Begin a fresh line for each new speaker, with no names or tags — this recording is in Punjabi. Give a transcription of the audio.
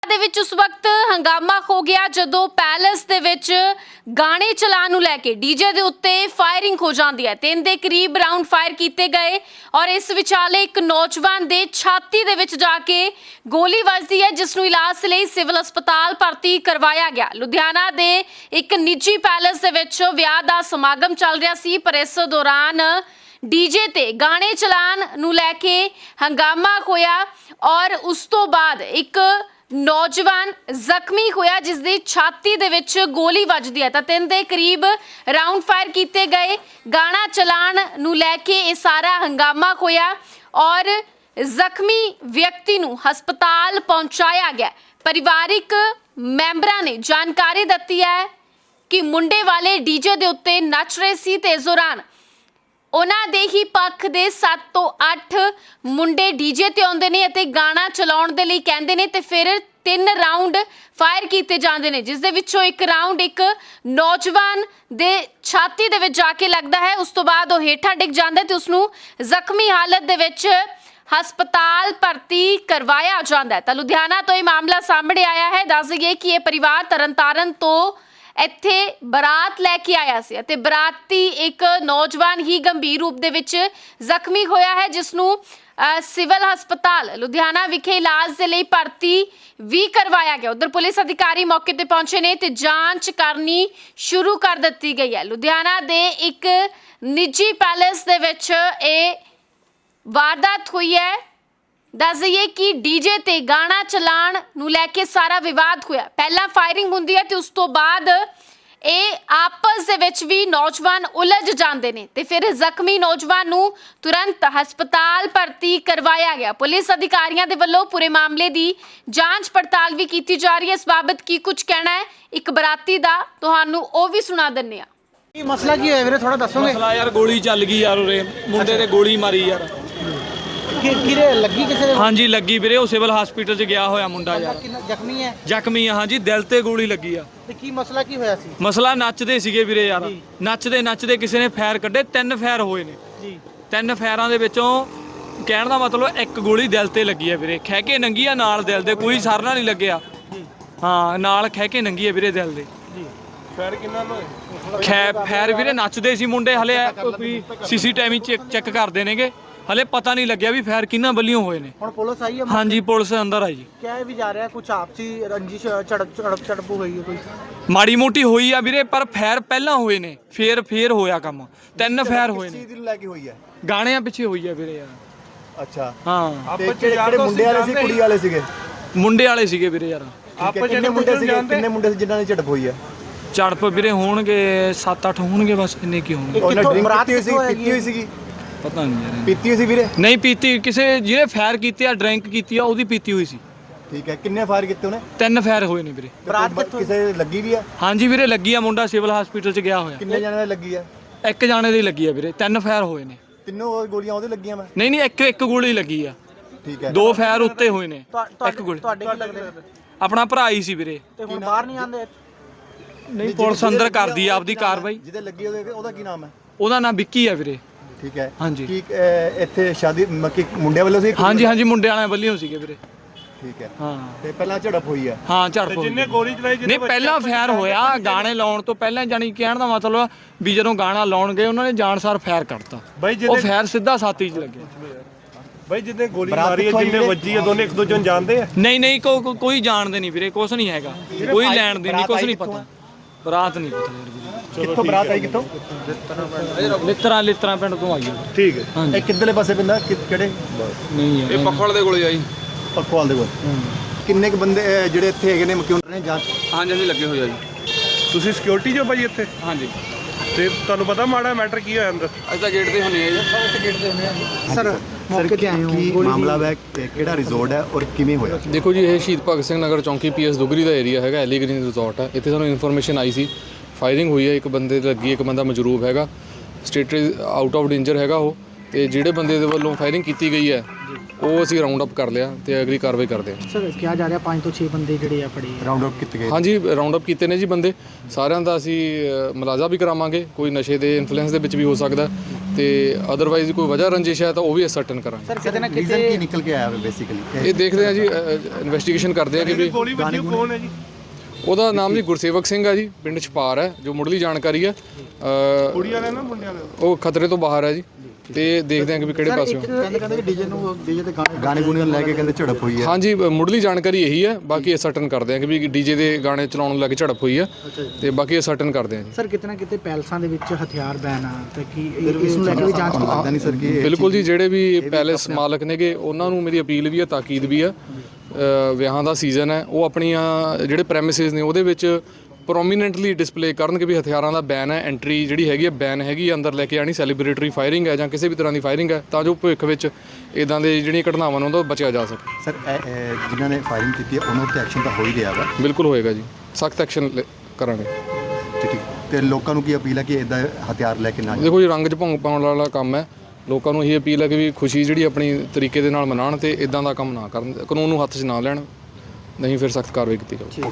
ਦੇ ਵਿੱਚ ਉਸ ਵਕਤ ਹੰਗਾਮਾ ਹੋ ਗਿਆ ਜਦੋਂ ਪੈਲੇਸ ਦੇ ਵਿੱਚ ਗਾਣੇ ਚਲਾਉਣ ਨੂੰ ਲੈ ਕੇ ਡੀਜੇ ਦੇ ਉੱਤੇ ਫਾਇਰਿੰਗ ਹੋ ਜਾਂਦੀ ਹੈ। 3 ਦੇ ਕਰੀਬ ਰਾਉਂਡ ਫਾਇਰ ਕੀਤੇ ਗਏ ਔਰ ਇਸ ਵਿਚਾਲੇ ਇੱਕ ਨੌਜਵਾਨ ਦੇ ਛਾਤੀ ਦੇ ਵਿੱਚ ਜਾ ਕੇ ਗੋਲੀ ਵੱਜਦੀ ਹੈ, ਜਿਸ ਨੂੰ ਇਲਾਜ ਲਈ ਸਿਵਲ ਹਸਪਤਾਲ ਭਰਤੀ ਕਰਵਾਇਆ ਗਿਆ। ਲੁਧਿਆਣਾ ਦੇ ਇੱਕ ਨਿੱਜੀ ਪੈਲੇਸ ਦੇ ਵਿੱਚ ਵਿਆਹ ਦਾ ਸਮਾਗਮ ਚੱਲ ਰਿਹਾ ਸੀ, ਪਰ ਇਸ ਦੌਰਾਨ ਡੀਜੇ ਤੇ ਗਾਣੇ ਚਲਾਉਣ ਨੂੰ ਲੈ ਕੇ ਹੰਗਾਮਾ ਹੋਇਆ ਔਰ ਉਸ ਤੋਂ ਬਾਅਦ ਇੱਕ ਨੌਜਵਾਨ ਜ਼ਖਮੀ ਹੋਇਆ, ਜਿਸ ਦੀ ਛਾਤੀ ਦੇ ਵਿੱਚ ਗੋਲੀ ਵੱਜਦੀ ਹੈ। ਤਾਂ 3 ਦੇ ਕਰੀਬ ਰਾਉਂਡ ਫਾਇਰ ਕੀਤੇ ਗਏ। ਗਾਣਾ ਚਲਾਉਣ ਨੂੰ ਲੈ ਕੇ ਇਹ ਸਾਰਾ ਹੰਗਾਮਾ ਹੋਇਆ ਔਰ ਜ਼ਖਮੀ ਵਿਅਕਤੀ ਨੂੰ ਹਸਪਤਾਲ ਪਹੁੰਚਾਇਆ ਗਿਆ। ਪਰਿਵਾਰਿਕ ਮੈਂਬਰਾਂ ਨੇ ਜਾਣਕਾਰੀ ਦਿੱਤੀ ਹੈ ਕਿ ਮੁੰਡੇ ਵਾਲੇ ਡੀਜੇ ਦੇ ਉੱਤੇ ਨੱਚ ਰਹੇ ਸੀ ਤੇ ਇਸ ਦੌਰਾਨ ਉਹਨਾਂ ਦੇ ਹੀ ਪੱਖ ਦੇ 7 ਤੋਂ 8 ਮੁੰਡੇ ਡੀਜੇ ਤੇ ਆਉਂਦੇ ਨੇ ਅਤੇ ਗਾਣਾ ਚਲਾਉਣ ਦੇ ਲਈ ਕਹਿੰਦੇ ਨੇ ਤੇ ਫਿਰ 3 ਰਾਉਂਡ ਫਾਇਰ ਕੀਤੇ ਜਾਂਦੇ ਨੇ, ਜਿਸ ਦੇ ਵਿੱਚੋਂ ਇੱਕ ਰਾਉਂਡ ਇੱਕ ਨੌਜਵਾਨ ਦੇ ਛਾਤੀ ਦੇ ਵਿੱਚ ਜਾ ਕੇ ਲੱਗਦਾ ਹੈ। ਉਸ ਤੋਂ ਬਾਅਦ ਉਹ ਹੇਠਾਂ ਡਿੱਗ ਜਾਂਦਾ ਤੇ ਉਸ ਨੂੰ ਜ਼ਖਮੀ ਹਾਲਤ ਦੇ ਵਿੱਚ ਹਸਪਤਾਲ ਭਰਤੀ ਕਰਵਾਇਆ ਜਾਂਦਾ ਹੈ। ਤਾਂ ਲੁਧਿਆਣਾ ਤੋਂ ਇਹ ਮਾਮਲਾ ਸਾਹਮਣੇ ਆਇਆ ਹੈ। ਦੱਸ ਦਈਏ ਕਿ ਇਹ ਪਰਿਵਾਰ ਤਰਨਤਾਰਨ ਤੋਂ ਇੱਥੇ ਬਰਾਤ ਲੈ ਕੇ ਆਇਆ ਸੀ ਅਤੇ ਬਰਾਤੀ ਇੱਕ ਨੌਜਵਾਨ ਹੀ ਗੰਭੀਰ ਰੂਪ ਦੇ ਵਿੱਚ ਜ਼ਖਮੀ ਹੋਇਆ ਹੈ, ਜਿਸ ਨੂੰ ਸਿਵਲ ਹਸਪਤਾਲ ਲੁਧਿਆਣਾ ਵਿਖੇ ਇਲਾਜ ਦੇ ਲਈ ਭਰਤੀ ਵੀ ਕਰਵਾਇਆ ਗਿਆ। ਉਧਰ ਪੁਲਿਸ ਅਧਿਕਾਰੀ ਮੌਕੇ ਤੇ ਪਹੁੰਚੇ ਨੇ ਤੇ ਜਾਂਚ ਕਰਨੀ ਸ਼ੁਰੂ ਕਰ ਦਿੱਤੀ ਗਈ ਹੈ। ਲੁਧਿਆਣਾ ਦੇ ਇੱਕ ਨਿੱਜੀ ਪੈਲੇਸ ਦੇ ਵਿੱਚ ਇਹ ਵਾਰਦਾਤ ਹੋਈ ਹੈ। ਦੱਸ ਦਈਏ ਕਿ ਡੀਜੇ ਤੇ ਗਾਣਾ ਚਲਾਉਣ ਨੂੰ ਲੈ ਕੇ ਸਾਰਾ ਵਿਵਾਦ ਹੋਇਆ। ਪਹਿਲਾਂ ਫਾਇਰਿੰਗ ਹੁੰਦੀ ਹੈ ਤੇ ਉਸ ਤੋਂ ਬਾਅਦ ਇਹ ਆਪਸ ਦੇ ਵਿੱਚ ਵੀ ਨੌਜਵਾਨ ਉਲਝ ਜਾਂਦੇ ਨੇ ਤੇ ਫਿਰ ਜ਼ਖਮੀ ਨੌਜਵਾਨ ਨੂੰ ਤੁਰੰਤ ਹਸਪਤਾਲ ਭਰਤੀ ਕਰਵਾਇਆ ਗਿਆ। ਪੁਲਿਸ ਅਧਿਕਾਰੀਆਂ ਦੇ ਵੱਲੋਂ ਪੂਰੇ ਮਾਮਲੇ ਦੀ ਜਾਂਚ ਪੜਤਾਲ ਵੀ ਕੀਤੀ ਜਾ ਰਹੀ ਹੈ। ਇਸ ਬਾਬਤ ਕੀ ਕੁਝ ਕਹਿਣਾ ਹੈ ਇੱਕ ਬਰਾਤੀ ਦਾ, ਤੁਹਾਨੂੰ ਉਹ ਵੀ ਸੁਣਾ ਦਿੰਦੇ ਆ।
ਕੀ ਮਸਲਾ ਕੀ ਹੋਇਆ ਵੀਰੇ, ਥੋੜਾ ਦੱਸੋਗੇ?
ਮਸਲਾ ਯਾਰ ਗੋਲੀ ਚੱਲ ਗਈ ਯਾਰ, ਉਰੇ ਮੁੰਡੇ ਤੇ ਗੋਲੀ ਮਾਰੀ ਯਾਰ।
ਕਿਰੇ ਲੱਗੀ ਕਿਸੇ ਦੇ?
ਹਾਂਜੀ ਲੱਗੀ ਵੀਰੇ, ਉਹ ਸਿਵਲ ਹਸਪੀਟਲ 'ਚ ਗਿਆ ਹੋਇਆ ਮੁੰਡਾ ਯਾਰ।
ਜ਼ਖਮੀ ਹੈ?
ਜ਼ਖਮੀ ਆ ਹਾਂਜੀ, ਦਿਲ ਤੇ ਗੋਲੀ ਲੱਗੀ ਆ।
ਤੇ ਕੀ ਮਸਲਾ ਕੀ ਹੋਇਆ ਸੀ?
ਮਸਲਾ ਨੱਚਦੇ ਸੀਗੇ ਵੀਰੇ ਯਾਰ, ਨੱਚਦੇ ਕਿਸੇ ਨੇ ਫਾਇਰ ਕੱਢੇ। 3 ਫਾਇਰ ਹੋਏ ਨੇ
ਜੀ।
3 ਫਾਇਰਾਂ ਦੇ ਵਿੱਚੋਂ ਕਹਿਣ ਦਾ ਮਤਲਬ ਇੱਕ ਗੋਲੀ ਦਿਲ ਤੇ ਲੱਗੀ ਆ ਵੀਰੇ, ਖਹਿ ਕੇ ਨੰਗੀ ਆ ਨਾਲ ਦਿਲ ਦੇ, ਕੋਈ ਸਰਨਾ ਨਹੀਂ ਲੱਗਿਆ। ਹਾਂ ਨਾਲ ਖਹਿ ਕੇ ਨੰਗੀ ਆ ਵੀਰੇ ਦਿਲ ਦੇ।
ਫਾਇਰ ਕਿੰਨਾ ਹੋਇਆ?
ਫਾਇਰ ਵੀਰੇ ਨੱਚਦੇ ਸੀ ਮੁੰਡੇ, ਹਲੇ ਕੋਈ ਸੀਸੀਟੀਵੀ ਚੈੱਕ ਕਰਦੇ ਨੇਗੇ, ਹਲੇ ਪਤਾ ਨਹੀਂ ਲੱਗਿਆ ਵੀ ਫਾਇਰ ਕਿੰਨਾ ਵੱਲੋਂ ਹੋਏ ਨੇ।
ਹੁਣ ਪੁਲਿਸ ਆਈ ਹੈ?
ਹਾਂਜੀ ਪੁਲਿਸ ਅੰਦਰ ਆਈ ਜੀ।
ਕਿਹਾ ਵੀ ਜਾ ਰਿਹਾ ਕੁਝ ਆਪਸੀ ਰੰਜਿਸ਼ ਝੜਪ ਹੋਈ ਹੈ ਕੋਈ?
ਮਾੜੀ ਮੋਟੀ ਹੋਈ ਆ ਵੀਰੇ, ਪਰ ਫਾਇਰ ਪਹਿਲਾਂ ਹੋਏ ਨੇ, ਫੇਰ ਹੋਇਆ ਕੰਮ। 3 ਫਾਇਰ ਹੋਏ ਨੇ।
ਕਿਸ ਚੀਜ਼ ਦੀ ਲੈ ਕੇ ਹੋਈ ਹੈ?
ਗਾਣਿਆਂ ਪਿੱਛੇ ਹੋਈ ਆ ਵੀਰੇ ਯਾਰ।
ਅੱਛਾ
ਹਾਂ
ਤੇ ਕਿਹੜੇ ਮੁੰਡੇ ਵਾਲੇ ਸੀ ਕੁੜੀ ਵਾਲੇ ਸੀਗੇ?
ਮੁੰਡੇ ਵਾਲੇ ਸੀਗੇ ਵੀਰੇ ਯਾਰ।
ਕਿੰਨੇ ਮੁੰਡੇ ਸੀਗੇ, ਕਿੰਨੇ ਮੁੰਡੇ ਸੀ ਜਿਨ੍ਹਾਂ ਨੇ ਝੜਪ ਹੋਈ ਹੈ?
ਝੜਪ ਵੀਰੇ ਹੋਣਗੇ 7-8 ਹੋਣਗੇ, ਬਸ ਇੰਨੇ ਕੀ ਹੋਣਗੇ।
ਉਹਨਾਂ ਡਰਿੰਕ ਪੀਤੀ ਹੋਈ ਸੀਗੀ?
ਪਤਾ ਨਹੀਂ ਯਾਰ,
ਪੀਤੀ ਹੋਈ ਸੀ ਵੀਰੇ?
ਨਹੀਂ ਪੀਤੀ, ਕਿਸੇ ਜਿਹਨੇ ਫਾਇਰ ਕੀਤੀ ਆ ਡਰਿੰਕ ਕੀਤੀ ਆ ਉਹਦੀ ਪੀਤੀ ਹੋਈ ਸੀ।
ਠੀਕ ਹੈ, ਕਿੰਨੇ ਫਾਇਰ ਕੀਤੇ ਉਹਨੇ?
3 ਫਾਇਰ ਹੋਏ ਨੇ ਵੀਰੇ।
ਕਿਸੇ ਲੱਗੀ ਵੀ ਆ?
ਹਾਂਜੀ ਵੀਰੇ ਲੱਗੀ ਆ, ਮੁੰਡਾ ਸਿਵਲ ਹਸਪੀਟਲ 'ਚ ਗਿਆ ਹੋਇਆ।
ਕਿੰਨੇ ਜਣਿਆਂ ਨੇ ਲੱਗੀ ਆ?
ਇੱਕ ਜਾਣੇ ਦੀ ਲੱਗੀ ਆ ਵੀਰੇ, 3 ਫਾਇਰ ਹੋਏ ਨੇ।
ਤਿੰਨੋਂ ਗੋਲੀਆਂ ਉਹਦੇ ਲੱਗੀਆਂ? ਮੈਂ
ਨਹੀਂ ਇੱਕ ਗੋਲੀ ਲੱਗੀ ਆ।
ਠੀਕ ਹੈ।
2 ਫਾਇਰ ਉੱਤੇ ਹੋਏ ਨੇ, ਇੱਕ ਗੋਲੀ।
ਤੁਹਾਡੇ ਕੀ ਲੱਗਦੇ ਨੇ?
ਆਪਣਾ ਭਰਾ ਹੀ ਸੀ ਵੀਰੇ।
ਤੇ ਹੁਣ ਬਾਹਰ ਨਹੀਂ ਆਉਂਦੇ?
ਨਹੀਂ ਪੁਲਿਸ ਅੰਦਰ ਕਰਦੀ ਆ ਆਪਦੀ ਕਾਰਵਾਈ।
ਜਿਹਦੇ ਲੱਗੀ ਉਹਦਾ ਕੀ ਨਾਮ ਹੈ?
ਉਹਦਾ ਨਾਮ ਵਿੱਕੀ ਆ ਵੀਰੇ।
ਠੀਕ ਹੈ।
ਹਾਂਜੀ।
ਕੀ ਇੱਥੇ ਸ਼ਾਦੀ ਮੱਕੀ ਮੁੰਡਿਆਂ ਵੱਲੋਂ ਸੀ?
ਹਾਂਜੀ ਮੁੰਡੇ ਵਾਲਿਆਂ ਵੱਲੋਂ ਸੀਗੇ ਵੀਰੇ।
ਠੀਕ ਹੈ।
ਹਾਂ
ਤੇ ਪਹਿਲਾਂ ਝੜਪ ਹੋਈ ਹੈ?
ਹਾਂ ਝੜਪ ਹੋਈ।
ਜਿੰਨੇ ਗੋਲੀ ਚਲਾਈ
ਨਹੀਂ ਪਹਿਲਾਂ ਫਾਇਰ ਹੋਇਆ, ਗਾਣੇ ਲਾਉਣ ਤੋਂ ਪਹਿਲਾਂ, ਜਾਨੀ ਕਹਿਣ ਦਾ ਮਤਲਬ ਵੀ ਜਦੋਂ ਗਾਣਾ ਲਾਉਣ ਗਏ ਉਹਨਾਂ ਨੇ ਜਾਣਸਾਰ ਫਾਇਰ ਕਰਤਾ। ਉਹ ਫਾਇਰ ਸਿੱਧਾ ਛਾਤੀ 'ਚ ਲੱਗਿਆ।
ਬਾਈ ਜਿੱਦੇ ਗੋਲੀ ਮਾਰੀ ਹੈ, ਜਿੰਨੇ ਵੱਜੀ ਹੈ, ਦੋਨੇ ਇੱਕ ਦੂਜੇ ਨੂੰ ਜਾਣਦੇ ਆ?
ਨਹੀਂ ਕੋਈ ਜਾਣਦੇ ਨਹੀਂ ਵੀਰੇ, ਕੁਛ ਨਹੀਂ ਹੈਗਾ, ਕੋਈ ਲੈਣ ਦੇ ਨਹੀਂ, ਕੁਛ ਨਹੀਂ ਪਤਾ। ਬਰਾਤ ਨਹੀਂ ਪਤਾ ਯਾਰ ਵੀਰੇ।
ਕਿੱਥੋਂ ਬਰਾਤ ਆਈ? ਕਿੱਥੋਂ?
ਲਿੱਤਰਾਂ ਪਿੰਡ ਤੋਂ ਆਈ ਹੈ।
ਠੀਕ ਹੈ।
ਹਾਂਜੀ
ਇਹ ਕਿੱਧਰਲੇ ਪਾਸੇ ਪੈਂਦਾ? ਕਿਹੜੇ?
ਨਹੀਂ
ਇਹ ਪਖਵਾਲ ਦੇ ਕੋਲੇ ਆਈ।
ਪਖਵਾਲ ਦੇ ਕੋਲ। ਕਿੰਨੇ ਕ ਬੰਦੇ ਜਿਹੜੇ ਇੱਥੇ ਹੈਗੇ ਨੇ ਕਿਉਂ ਨੇ ਜਾਂਚ?
ਹਾਂਜੀ ਲੱਗੇ ਹੋਏ ਆ ਜੀ।
ਤੁਸੀਂ ਸਿਕਿਉਰਿਟੀ ਜੋ ਭਾਈ ਇੱਥੇ?
ਹਾਂਜੀ
ਤੇ ਤੁਹਾਨੂੰ ਪਤਾ ਮਾੜਾ ਮੈਟਰ ਕੀ ਹੋਇਆ ਅੰਦਰ?
ਅੱਜ ਤਾਂ ਗੇਟ ਤੇ ਹੁੰਨੇ ਆ ਜੀ।
ਸਰ ਮੌਕੇ ਤੇ ਆਏ ਹੋ?
ਕੀ ਮਾਮਲਾ ਹੈ, ਕਿਹੜਾ ਰਿਜ਼ੋਰਟ ਹੈ ਔਰ ਕਿਵੇਂ ਹੋਇਆ?
ਦੇਖੋ ਜੀ, ਇਹ ਸ਼ਹੀਦ ਭਗਤ ਸਿੰਘ ਨਗਰ ਚੌਂਕੀ ਪੀਐਸ ਦੁਗਰੀ ਦਾ ਏਰੀਆ ਹੈਗਾ, ਐਲੀ ਗ੍ਰੀਨ ਰਿਜ਼ੋਰਟ ਹੈ। ਇੱਥੇ ਸਾਨੂੰ ਇਨਫੋਰਮੇਸ਼ਨ ਆਈ ਸੀ, ਫਾਇਰਿੰਗ ਹੋਈ ਹੈ, ਇੱਕ ਬੰਦੇ ਤੇ ਲੱਗੀ, ਇੱਕ ਬੰਦਾ ਮਜਰੂਬ ਹੈਗਾ, ਸਟੇਟਸ ਆਊਟ ਆਫ ਡੇਂਜਰ ਹੈਗਾ ਉਹ। ਤੇ ਜਿਹੜੇ ਬੰਦੇ ਦੇ ਵੱਲੋਂ ਫਾਇਰਿੰਗ ਕੀਤੀ ਗਈ ਹੈ ਉਹ ਅਸੀਂ ਰਾਉਂਡ ਅਪ ਕਰ ਲਿਆ ਤੇ ਅਗਲੀ ਕਾਰਵਾਈ ਕਰਦੇ ਹਾਂ।
ਸਰ ਕਿਹਾ ਜਾ ਰਿਹਾ 5 ਤੋਂ 6 ਬੰਦੇ ਜਿਹੜੇ ਆ ਫੜੇ
ਰਾਉਂਡ ਅਪ ਕੀਤੇ ਗਏ?
ਹਾਂਜੀ ਰਾਉਂਡ ਅਪ ਕੀਤੇ ਨੇ ਜੀ ਬੰਦੇ ਸਾਰਿਆਂ ਦਾ। ਅਸੀਂ ਮੁਲਾਜ਼ਾ ਵੀ ਕਰਾਵਾਂਗੇ, ਕੋਈ ਨਸ਼ੇ ਦੇ ਇਨਫਲੂਐਂਸ ਦੇ ਵਿੱਚ ਵੀ ਹੋ ਸਕਦਾ ਤੇ ਅਦਰਵਾਈਜ਼ ਕੋਈ ਵਜ੍ਹਾ ਰੰਜਿਸ਼ ਹੈ ਤਾਂ ਉਹ ਵੀ ਅਸਰਟਨ ਕਰਾਂਗੇ।
ਸਰ ਕਿਤੇ ਨਾ
ਰੀਜ਼ਨ
ਕਿਤੇ
ਕੀ ਨਿਕਲ ਕੇ ਆਇਆ ਹੈ ਬੇਸਿਕਲੀ?
ਇਹ ਦੇਖਦੇ ਆ ਜੀ, ਇਨਵੈਸਟੀਗੇਸ਼ਨ ਕਰਦੇ ਆ ਕਿ ਵੀ
ਗੋਲੀ ਵੱਜੀ ਉਹ ਕੌਣ ਹੈ ਜੀ?
ਉਹਦਾ ਨਾਮ ਜੀ ਗੁਰਸੇਵਕ ਸਿੰਘ ਆ ਜੀ, ਪਿੰਡ ਛਪਾਰ ਹੈ, ਜੋ ਮੁੱਢਲੀ ਜਾਣਕਾਰੀ ਹੈ।
ਕੁੜੀ ਵਾਲੇ ਨਾ ਮੁੰਡਿਆਂ ਵਾਲੇ?
ਉਹ ਖਤਰੇ ਤੋਂ ਬਾਹਰ ਹੈ ਜੀ, ਤੇ ਦੇਖਦੇ ਆ ਕਿ ਵੀ ਕਿਹੜੇ ਪਾਸਿਓਂ।
ਕਹਿੰਦੇ ਕਿ ਡੀਜੇ ਤੇ ਗਾਣੇ ਗੁਣੇ ਲੈ ਕੇ ਕਹਿੰਦੇ ਝੜਪ ਹੋਈ ਹੈ।
ਹਾਂਜੀ, ਮੁੱਢਲੀ ਜਾਣਕਾਰੀ ਇਹੀ ਹੈ, ਬਾਕੀ ਅਸਰਟਨ ਕਰਦੇ ਆ ਕਿ ਵੀ ਡੀਜੇ ਦੇ ਗਾਣੇ ਚਲਾਉਣ ਨੂੰ ਲੈ ਕੇ ਝੜਪ ਹੋਈ ਹੈ, ਤੇ ਬਾਕੀ ਅਸਰਟਨ ਕਰਦੇ ਆ ਜੀ।
ਸਰ ਕਿਤੇ ਨਾ ਕਿਤੇ ਪੈਲਸਾਂ ਦੇ ਵਿੱਚ ਹਥਿਆਰ ਬੈਨ ਆ ਤੇ ਕੀ ਇਸ ਨੂੰ ਲੈ ਕੇ ਵੀ ਜਾਂਚ
ਲੱਗਦਾ ਨਹੀਂ ਸਰ ਕਿ
ਬਿਲਕੁਲ ਜੀ, ਜਿਹੜੇ ਵੀ ਪੈਲੇਸ ਮਾਲਕ ਨੇਗੇ ਉਹਨਾਂ ਨੂੰ ਮੇਰੀ ਅਪੀਲ ਵੀ ਹੈ, ਤਾਕੀਦ ਵੀ ਹੈ। ਵਿਆਹਾਂ ਦਾ ਸੀਜ਼ਨ ਹੈ, ਉਹ ਆਪਣੀਆਂ ਜਿਹੜੇ ਪ੍ਰੈਮਿਸਿਸ ਨੇ ਉਹਦੇ ਵਿੱਚ ਪ੍ਰੋਮੀਨੈਂਟਲੀ ਡਿਸਪਲੇ ਕਰਨ ਕਿ ਵੀ ਹਥਿਆਰਾਂ ਦਾ ਬੈਨ ਹੈ, ਐਂਟਰੀ ਜਿਹੜੀ ਹੈਗੀ ਹੈ ਬੈਨ ਹੈਗੀ ਹੈ, ਅੰਦਰ ਲੈ ਕੇ ਆਣੀ ਸੈਲੀਬ੍ਰੇਟਰੀ ਫਾਇਰਿੰਗ ਹੈ ਜਾਂ ਕਿਸੇ ਵੀ ਤਰ੍ਹਾਂ ਦੀ ਫਾਇਰਿੰਗ ਹੈ, ਤਾਂ ਜੋ ਭਵਿੱਖ ਵਿੱਚ ਇਦਾਂ ਦੇ ਜਿਹੜੀਆਂ ਘਟਨਾਵਾਂ ਨੂੰ ਉਹਦਾ ਬਚਿਆ ਜਾ ਸਕੇ।
ਸਰ ਜਿਨ੍ਹਾਂ ਨੇ ਫਾਇਰਿੰਗ ਕੀਤੀ ਹੈ ਉਹਨਾਂ ਉੱਤੇ ਐਕਸ਼ਨ ਤਾਂ ਹੋ ਹੀ ਰਿਹਾ ਵਾ।
ਬਿਲਕੁਲ ਹੋਏਗਾ ਜੀ, ਸਖਤ ਐਕਸ਼ਨ ਕਰਾਂਗੇ।
ਠੀਕ ਤੇ ਲੋਕਾਂ ਨੂੰ ਕੀ ਅਪੀਲ ਹੈ ਕਿ ਇਦਾਂ ਹਥਿਆਰ ਲੈ ਕੇ ਨਾ ਜਾਣ?
ਦੇਖੋ ਜੀ, ਰੰਗ 'ਚ ਭੰਗ ਪਾਉਣ ਵਾਲਾ ਕੰਮ ਹੈ, ਲੋਕਾਂ ਨੂੰ ਇਹੀ ਅਪੀਲ ਹੈ ਕਿ ਵੀ ਖੁਸ਼ੀ ਜਿਹੜੀ ਆਪਣੀ ਤਰੀਕੇ ਦੇ ਨਾਲ ਮਨਾਉਣ ਤੇ ਇਦਾਂ ਦਾ ਕੰਮ ਨਾ ਕਰਨ, ਕਾਨੂੰਨ ਨੂੰ ਹੱਥ 'ਚ ਨਾ ਲੈਣ, ਨਹੀਂ ਫਿਰ ਸਖਤ ਕਾਰਵਾਈ ਕੀਤੀ ਜਾਊਗੀ।